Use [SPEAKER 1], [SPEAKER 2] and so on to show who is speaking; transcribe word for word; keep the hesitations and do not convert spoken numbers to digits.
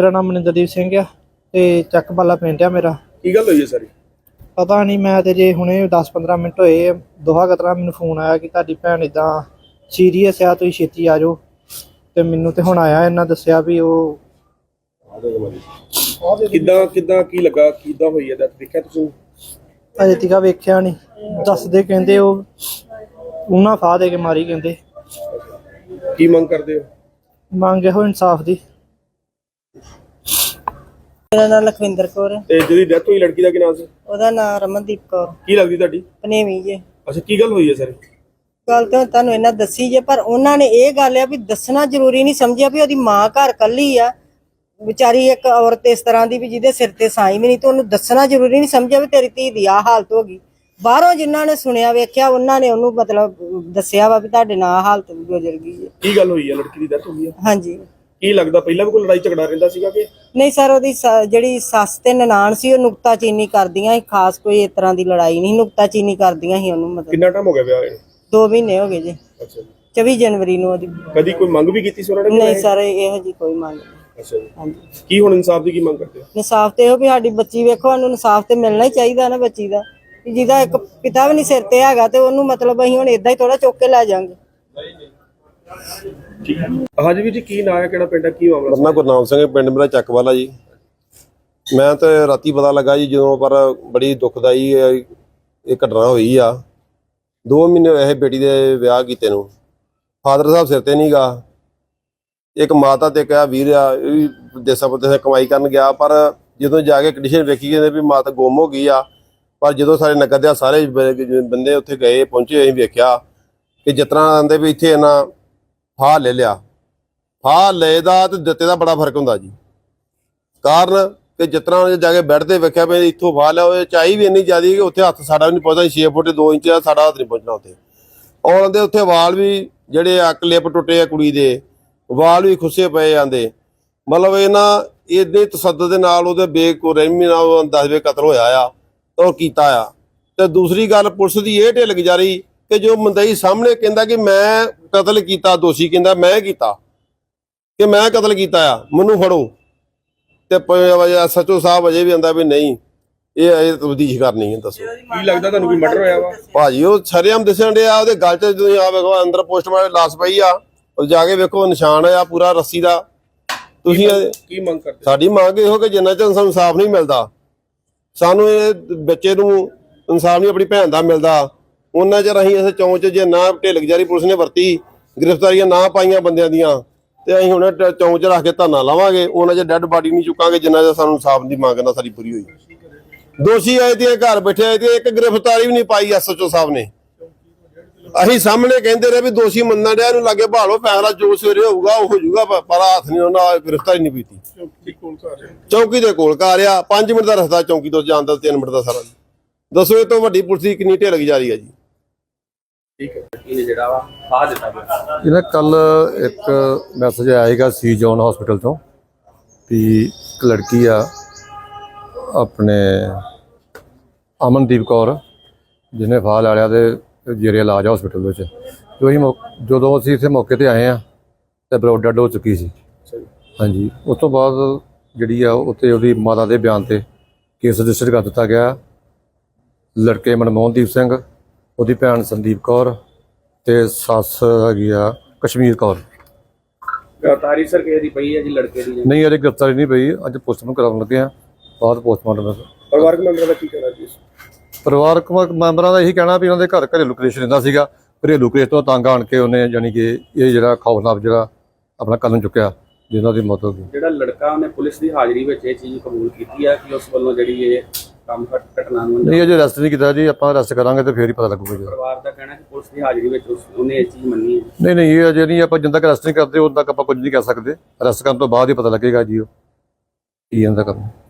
[SPEAKER 1] मेरा नाम मनिंदरदीप सिंह आ ते चकबाला पिंड आ मेरा।
[SPEAKER 2] की गल हुई है सारी?
[SPEAKER 1] पता नहीं, मैं तो जे हुणे दस पंद्रह मिनट होए दोहा कतरा मैनूं फोन आया कि तुहाडी भैन इदां सीरीयस आ, तुसीं छेती आ जाओ। ते मैनूं ते हुण आया इन्हां दस्सिया भी ओह
[SPEAKER 2] किद्दां किद्दां की लगा किद्दां होई है? देखिया तुसीं?
[SPEAKER 1] अजे तक वेख्या नहीं, दसदे कहंदे ओह उन्हां फाह दे के मारी कहंदे।
[SPEAKER 2] की मंग करदे हो?
[SPEAKER 1] मंग इहो इंसाफ दी।
[SPEAKER 3] मेरा नाम लखविंदर कौर है।
[SPEAKER 2] ਤੇ ਜਿਹਦੀ ਡੈਥ ਹੋਈ ਲੜਕੀ ਦਾ ਕੀ ਨਾਮ ਸੀ?
[SPEAKER 3] ਉਹਦਾ ਨਾਮ ਰਮਨਦੀਪ ਕੌਰ
[SPEAKER 2] ਕੀ ਲੱਗਦੀ ਤੁਹਾਡੀ?
[SPEAKER 3] ਪਨੇਵੀ ਜੇ।
[SPEAKER 2] ਅੱਛਾ, ਕੀ ਗੱਲ ਹੋਈ ਹੈ ਸਰ?
[SPEAKER 3] ਗੱਲ ਤਾਂ ਤੁਹਾਨੂੰ ਇਹਨਾਂ ਦੱਸੀ ਜੇ, ਪਰ ਉਹਨਾਂ ਨੇ ਇਹ ਗੱਲ ਆ ਵੀ ਦੱਸਣਾ ਜ਼ਰੂਰੀ ਨਹੀਂ ਸਮਝਿਆ ਵੀ ਉਹਦੀ ਮਾਂ ਘਰ ਕੱਲੀ ਆ ਵਿਚਾਰੀ, ਇੱਕ ਔਰਤ ਇਸ ਤਰ੍ਹਾਂ ਦੀ ਵੀ ਜਿਹਦੇ ਸਿਰ ਤੇ ਸਾਈ ਵੀ ਨਹੀਂ, ਤੇ ਉਹਨੂੰ ਦੱਸਣਾ ਜ਼ਰੂਰੀ ਨਹੀਂ ਸਮਝਿਆ ਵੀ ਤੇਰੀ ਧੀ ਦੀ ਆ ਹਾਲਤ ਹੋ ਗਈ। ਬਾਹਰੋਂ ਜਿਨ੍ਹਾਂ ਨੇ ਸੁਣਿਆ ਵੇਖਿਆ ਉਹਨਾਂ ਨੇ ਉਹਨੂੰ ਮਤਲਬ ਦੱਸਿਆ ਵਾ ਵੀ ਤੁਹਾਡੇ ਨਾਲ ਹਾਲਤ ਗੁਜ਼ਰ ਗਈ ਹੈ।
[SPEAKER 2] ਕੀ ਗੱਲ ਹੋਈ ਹੈ? ਲੜਕੀ ਦੀ ਡੈਥ ਹੋ ਗਈ ਹੈ?
[SPEAKER 3] ਹਾਂਜੀ।
[SPEAKER 2] ਕੀ ਲੱਗਦਾ ਪਹਿਲਾਂ ਵੀ ਕੋਈ ਲੜਾਈ ਝਗੜਾ ਰਹਿੰਦਾ ਸੀਗਾ ਕਿ
[SPEAKER 3] ਨਹੀਂ ਸਰ, ਉਹਦੀ ਜਿਹੜੀ ਸੱਸ ਤੇ ਨਨਾਣ ਸੀ ਉਹ ਨੁਕਤਾਚੀਨੀ ਕਰਦੀਆਂ ਸੀ, ਖਾਸ ਕੋਈ ਇਸ ਤਰ੍ਹਾਂ ਦੀ ਲੜਾਈ ਨਹੀਂ, ਨੁਕਤਾਚੀਨੀ ਕਰਦੀਆਂ ਸੀ ਉਹਨੂੰ। ਮਤਲਬ
[SPEAKER 2] ਕਿੰਨਾ ਟਾਈਮ ਹੋ ਗਿਆ ਵਿਆਹ ਹੋਏ?
[SPEAKER 3] ਦੋ ਮਹੀਨੇ ਹੋ ਗਏ ਜੀ।
[SPEAKER 2] ਅੱਛਾ ਜੀ।
[SPEAKER 3] ਚੌਵੀ ਜਨਵਰੀ ਨੂੰ ਉਹਦੀ।
[SPEAKER 2] ਕਦੀ ਕੋਈ ਮੰਗ ਵੀ ਕੀਤੀ ਸੀ ਉਹਨਾਂ ਨੇ?
[SPEAKER 3] ਨਹੀਂ ਸਰ, ਇਹੋ ਜੀ ਕੋਈ ਮੰਗ ਨਹੀਂ।
[SPEAKER 2] ਅੱਛਾ ਜੀ।
[SPEAKER 3] ਹਾਂਜੀ।
[SPEAKER 2] ਕੀ ਹੁਣ ਇਨਸਾਫ ਦੀ ਕੀ ਮੰਗ ਕਰਦੇ ਹੋ?
[SPEAKER 3] ਇਨਸਾਫ ਤੇ ਇਹੋ ਵੀ ਸਾਡੀ ਬੱਚੀ ਵੇਖੋ, ਸਾਨੂੰ ਇਨਸਾਫ ਤੇ ਮਿਲਣਾ ਹੀ ਚਾਹੀਦਾ ਨਾ ਬੱਚੀ ਦਾ, ਜਿਹਦਾ ਇੱਕ ਪਿਤਾ ਵੀ ਨਹੀਂ ਸਿਰ ਤੇ ਹੈਗਾ ਤੇ ਉਹਨੂੰ ਮਤਲਬ ਅਸੀਂ ਹੁਣ ਏਦਾਂ ਹੀ ਥੋੜਾ ਚੁੱਕ ਕੇ ਲੈ ਜਾਵਾਂਗੇ।
[SPEAKER 2] ਹਾਂਜੀ ਵੀਰ ਜੀ, ਕੀ ਨਾਂ ਹੈ, ਕਿਹੜਾ ਪਿੰਡ ਹੈ, ਕੀ ਮਾਮਲਾ?
[SPEAKER 4] ਮੇਰਾ ਨਾਮ ਗੁਰਨਾਮ ਸਿੰਘ, ਪਿੰਡ ਮੇਰਾ ਚੱਕਵਾਲਾ ਜੀ। ਮੈਂ ਤਾਂ ਰਾਤੀ ਪਤਾ ਲੱਗਾ ਜੀ ਜਦੋਂ, ਪਰ ਬੜੀ ਦੁਖਦਾਈ ਇਹ ਘਟਨਾ ਹੋਈ ਆ। ਦੋ ਮਹੀਨੇ ਹੋਏ ਇਹ ਬੇਟੀ ਦੇ ਵਿਆਹ ਕੀਤੇ ਨੂੰ, ਫਾਦਰ ਸਾਹਿਬ ਸਿਰ ਤੇ ਨਹੀਂ ਗਾ, ਇੱਕ ਮਾਤਾ ਤੇ ਕਿਹਾ ਵੀਰ ਆ ਇਹ ਵੀ ਦੇਸਾਂ ਪਰਦੇਸਾਂ ਕਮਾਈ ਕਰਨ ਗਿਆ, ਪਰ ਜਦੋਂ ਜਾ ਕੇ ਕੰਡੀਸ਼ਨ ਵੇਖੀ ਕਹਿੰਦੇ ਵੀ ਮਾਤਾ ਗੁੰਮ ਹੋ ਗਈ ਆ। ਪਰ ਜਦੋਂ ਸਾਰੇ ਨਗਰ ਦੇ ਸਾਰੇ ਬੰਦੇ ਉੱਥੇ ਗਏ ਪਹੁੰਚੇ, ਅਸੀਂ ਵੇਖਿਆ ਕਿ ਜਿਸ ਤਰ੍ਹਾਂ ਆਂਦੇ ਵੀ ਇੱਥੇ ਇਹਨਾਂ ਫਾਹ ਲੈ ਲਿਆ। ਫਾਹ ਲਏ ਦਾ ਤੇ ਦਿੱਤੇ ਦਾ ਬੜਾ ਫਰਕ ਹੁੰਦਾ ਜੀ। ਕਾਰਨ ਕਿ ਜਿਸ ਤਰ੍ਹਾਂ ਜਾ ਕੇ ਬੈੱਡ ਤੇ ਵੇਖਿਆ ਵੀ ਇੱਥੋਂ ਫਾਹ ਲਿਆ, ਉਹ ਚਾਈ ਵੀ ਇੰਨੀ ਜ਼ਿਆਦਾ ਕਿ ਉੱਥੇ ਹੱਥ ਸਾਡਾ ਵੀ ਨਹੀਂ ਪਹੁੰਚਦਾ, ਛੇ ਫੁੱਟ ਦੋ ਇੰਚ ਸਾਡਾ ਹੱਥ ਨਹੀਂ ਪਹੁੰਚਣਾ ਉੱਥੇ। ਔਰ ਉਹਦੇ ਉੱਥੇ ਵਾਲ ਵੀ ਜਿਹੜੇ ਆ ਕਲਿੱਪ ਟੁੱਟੇ ਆ, ਕੁੜੀ ਦੇ ਵਾਲ ਵੀ ਖੁੱਸੇ ਪਏ ਜਾਂਦੇ। ਮਤਲਬ ਇਹਨਾਂ ਇਹਦੇ ਤਸੱਦਦ ਦੇ ਨਾਲ ਉਹਦੇ ਬੇਰਹਿਮੀ ਨਾਲ ਦਸਵੇਂ ਕਤਲ ਹੋਇਆ ਆ ਔਰ ਕੀਤਾ ਆ। ਤੇ ਦੂਸਰੀ ਗੱਲ, ਪੁਲਿਸ ਦੀ ਇਹ ਢਿੱਲ ਗੁਜ਼ਾਰੀ ਕਿ ਜੋ ਮੰਦਈ ਸਾਹਮਣੇ ਕਹਿੰਦਾ ਕਿ ਮੈਂ ਕਤਲ ਕੀਤਾ, ਦੋਸ਼ੀ ਕਹਿੰਦਾ ਮੈਂ ਕੀਤਾ ਕਿ ਮੈਂ ਕਤਲ ਕੀਤਾ ਆ, ਮੈਨੂੰ ਫੜੋ, ਤੇ ਸੱਚੋ ਸਾਹਿਬ ਅਜੇ ਵੀ ਆਂਦਾ ਵੀ ਨਹੀਂ ਇਹ ਇਹ ਤਬਦੀਸ਼ ਕਰਨੀ ਹੈ। ਦੱਸੋ
[SPEAKER 2] ਕੀ ਲੱਗਦਾ ਤੁਹਾਨੂੰ ਕੋਈ ਮਰਡਰ ਹੋਇਆ ਵਾ?
[SPEAKER 4] ਭਾਜੀ ਉਹ ਸ਼ਰੇਆਮ ਦਿਸਣ ਡਿਆ, ਉਹਦੇ ਗਲ 'ਚ ਤੁਸੀਂ ਆ ਵੇਖੋ ਅੰਦਰ ਪੋਸਟਮਾਰਟਮ ਲਾਸ਼ ਪਈ ਆ, ਉਹ ਜਾ ਕੇ ਵੇਖੋ ਨਿਸ਼ਾਨ ਆ ਪੂਰਾ ਰੱਸੀ ਦਾ। ਤੁਸੀਂ
[SPEAKER 2] ਕੀ ਮੰਗ ਕਰਦੇ?
[SPEAKER 4] ਸਾਡੀ ਮੰਗ ਇਹੋ ਕਿ ਜਿੰਨਾ ਚਿਰ ਸਾਨੂੰ ਇਨਸਾਫ ਨਹੀਂ ਮਿਲਦਾ, ਸਾਨੂੰ ਇਹ ਬੱਚੇ ਨੂੰ ਇਨਸਾਫ ਨਹੀਂ ਆਪਣੀ ਭੈਣ ਦਾ ਮਿਲਦਾ, ਉਹਨਾਂ ਚਿਰ ਅਸੀਂ ਇਸ ਚੌਂਚ 'ਚ ਜੇ ਨਾ ਢਿੱਲ ਗੁਜ਼ਾਰੀ ਪੁਲਿਸ ਨੇ ਵਰਤੀ, ਗ੍ਰਿਫਤਾਰੀਆਂ ਨਾ ਪਾਈਆਂ ਬੰਦਿਆਂ ਦੀਆਂ, ਤੇ ਅਸੀਂ ਹੁਣ ਚੌਂਚ 'ਚ ਰੱਖ ਕੇ ਧਰਨਾ ਲਾਵਾਂਗੇ। ਉਹਨਾਂ 'ਚ ਡੈੱਡ ਬਾਡੀ ਨਹੀਂ ਚੁੱਕਾਂਗੇ ਜਿੰਨਾ ਚਿਰ ਸਾਨੂੰ ਇਨਸਾਫ ਦੀ ਮੰਗ ਨਾ ਸਾਡੀ ਪੂਰੀ ਹੋਈ। ਦੋਸ਼ੀ ਆਏ ਤੇ ਘਰ ਬੈਠੇ ਆਏ ਤੇ ਇੱਕ ਗ੍ਰਿਫਤਾਰੀ ਵੀ ਨਹੀਂ ਪਾਈ ਐਸਐਚਓ ਸਾਹਿਬ ਨੇ। ਅਸੀਂ ਸਾਹਮਣੇ ਕਹਿੰਦੇ ਰਹੇ ਵੀ ਦੋਸ਼ੀ ਮੰਨਣ ਡਿਆ, ਇਹਨੂੰ ਲਾਗੇ ਭਾਲੋ, ਫੈਸਲਾ ਜੋ ਸਵੇਰੇ ਹੋਊਗਾ ਉਹ ਹੋ ਜਾਊਗਾ, ਪਰ ਹੱਥ ਨਹੀਂ ਉਹਨਾਂ ਗ੍ਰਿਫਤਾਰੀ ਨਹੀਂ ਕੀਤੀ। ਚੌਕੀ ਦੇ ਕੋਲ ਘਰ ਆ, ਪੰਜ ਮਿੰਟ ਦਾ ਰਸਤਾ ਚੌਕੀ ਤੋਂ ਜਾਣ ਦਾ, ਤਿੰਨ ਮਿੰਟ ਦਾ ਸਾਰਾ। ਦੱਸੋ ਇਹ ਤੋਂ ਵੱਡੀ ਪੁਲਿਸ ਦੀ ਕਿੰਨੀ ਢਿੱਲ ਗੁਜ਼ਾਰੀ ਆ ਜੀ।
[SPEAKER 2] ਠੀਕ ਹੈ। ਇਹ ਜਿਹੜਾ ਵਾ ਫਾਹ ਦਿੱਤਾ ਗਿਆ
[SPEAKER 5] ਇਹਨਾਂ ਕੱਲ ਇੱਕ ਮੈਸੇਜ ਆਇਆ ਸੀਗਾ ਸੀ ਜੋਨ ਹਸਪੀਟਲ ਤੋਂ ਵੀ ਇੱਕ ਲੜਕੀ ਆ ਆਪਣੇ ਅਮਨਦੀਪ ਕੌਰ ਜਿਹਨੇ ਫਾਹ ਲੈ ਲਿਆ ਤੇ ਜੇਰੇ ਇਲਾਜ ਹਸਪੀਟਲ ਵਿੱਚ। ਜੋ ਅਸੀਂ ਜਦੋਂ ਅਸੀਂ ਇੱਥੇ ਮੌਕੇ ਤੇ ਆਏ ਆ ਤੇ ਬਲੱਡ ਡੈਡ ਹੋ ਚੁੱਕੀ ਸੀ। ਹਾਂਜੀ, ਉਸ ਤੋਂ ਬਾਅਦ ਜਿਹੜੀ ਆ ਉੱਥੇ ਉਹਦੀ ਮਾਤਾ ਦੇ ਬਿਆਨ ਤੇ ਕੇਸ ਰਜਿਸਟਰ ਕਰ ਦਿੱਤਾ ਗਿਆ। ਲੜਕੇ ਮਨਮੋਹਨਦੀਪ ਸਿੰਘ, ਉਹਦੀ ਭੈਣ ਸੰਦੀਪ ਕੌਰ ਤੇ ਸੱਸ ਹੈਗੀ ਆ ਕਸ਼ਮੀਰ ਕੌਰ।
[SPEAKER 2] ਗ੍ਰਿਫਤਾਰੀ ਸਰ ਕਿਸੇ ਦੀ ਪਈ ਹੈ ਜੀ ਲੜਕੇ ਦੀ?
[SPEAKER 5] ਨਹੀਂ, ਅਜੇ ਗ੍ਰਿਫਤਾਰੀ ਨਹੀਂ ਪਈ, ਅੱਜ ਪੋਸਟਮਾਰਟਮ ਕਰਾਉਣ ਲੱਗੇ ਆ, ਬਾਅਦ ਪੋਸਟਮਾਰਟਮ।
[SPEAKER 2] ਪਰਿਵਾਰਕ ਮੈਂਬਰਾਂ ਦਾ ਕੀ ਕਹਿਣਾ ਜੀ?
[SPEAKER 5] ਪਰਿਵਾਰਕ ਮੈਂਬਰਾਂ ਦਾ ਇਹੀ ਕਹਿਣਾ ਵੀ ਉਹਨਾਂ ਦੇ ਘਰ ਘਰੇਲੂ ਕਲੇਸ਼ ਰਹਿੰਦਾ ਸੀਗਾ, ਘਰੇਲੂ ਕਲੇਸ਼ ਤੋਂ ਤੰਗ ਆਣ ਕੇ ਉਹਨੇ ਯਾਨੀ ਕਿ ਇਹ ਜਿਹੜਾ ਖੌਫਨਾਕ ਜਿਹੜਾ ਆਪਣਾ ਕਦਮ ਚੁੱਕਿਆ ਜਿਹਨਾਂ ਦੀ ਮੌਤ ਹੋ ਗਈ।
[SPEAKER 6] ਜਿਹੜਾ ਲੜਕਾ ਉਹਨੇ ਪੁਲਿਸ ਦੀ ਹਾਜ਼ਰੀ ਵਿੱਚ ਇਹ ਚੀਜ਼ ਕਬੂਲ ਕੀਤੀ ਹੈ ਕਿ ਉਸ ਵੱਲੋਂ ਜਿਹੜੀ ਇਹ ਕੰਮ ਘਟਨਾ ਨੂੰ
[SPEAKER 5] ਨਹੀਂ ਅਜੇ ਅਰੈਸਟ ਨਹੀਂ ਕੀਤਾ ਜੀ, ਆਪਾਂ ਅਰੈਸਟ ਕਰਾਂਗੇ ਤੇ ਫੇਰ ਹੀ ਪਤਾ ਲੱਗੂਗਾ ਜੀ।
[SPEAKER 6] ਪਰਿਵਾਰ ਦਾ ਕਹਿਣਾ ਕਿ ਪੁਲਿਸ ਦੀ ਹਾਜ਼ਰੀ ਵਿੱਚ ਉਹਨੇ ਇਹ ਚੀਜ਼ ਮੰਨੀ ਹੈ।
[SPEAKER 5] ਨਹੀਂ ਨਹੀਂ ਇਹ ਅਜੇ ਨਹੀਂ, ਆਪਾਂ ਜਿੰਨਾ ਤੱਕ ਅਰੈਸਟ ਨਹੀਂ ਕਰਦੇ ਉਦੋਂ ਤੱਕ ਆਪਾਂ ਕੁਝ ਨਹੀਂ ਕਰ ਸਕਦੇ। ਅਰੈਸਟ ਕਰਨ ਤੋਂ ਬਾਅਦ ਹੀ ਪਤਾ ਲੱਗੇਗਾ ਜੀ ਉਹ ਕੀ ਇਹਨਾਂ ਦਾ ਕੰਮ।